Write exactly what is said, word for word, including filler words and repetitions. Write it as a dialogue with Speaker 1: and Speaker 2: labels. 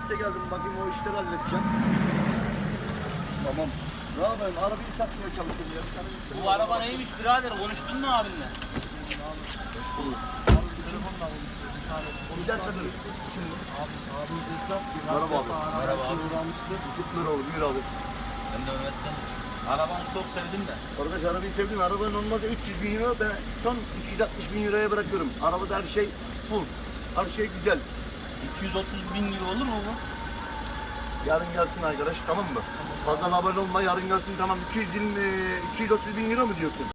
Speaker 1: işte geldim. Bakayım o işleri halledeceğim. Tamam. Ne yapayım? Arabayı satmaya çalışıyorum ya. Bir tane müşteri
Speaker 2: Bu
Speaker 1: var.
Speaker 2: araba neymiş birader? Konuştun mu abinle?
Speaker 1: Hoş bulduk. Bir dakika dur. Kim bu?
Speaker 3: Abimiz esnaf.
Speaker 1: Merhaba abi.
Speaker 2: Merhaba abi.
Speaker 3: Uğramıştı.
Speaker 1: Zıplar olur. Buyur abi.
Speaker 2: Ben de Mehmet'ten. Arabanı çok sevdim de.
Speaker 1: Arkadaş arabayı sevdim. Araba normalde üç yüz bin euro. Ben son iki yüz altmış bin euroya bırakıyorum. Arabada her şey full. Her şey güzel.
Speaker 2: iki yüz otuz bin lira olur mu bu?
Speaker 1: Yarın gelsin arkadaş, tamam mı? Fazla abone olma, yarın gelsin, tamam. iki yüz yirmi, iki yüz otuz bin euro mu diyorsun?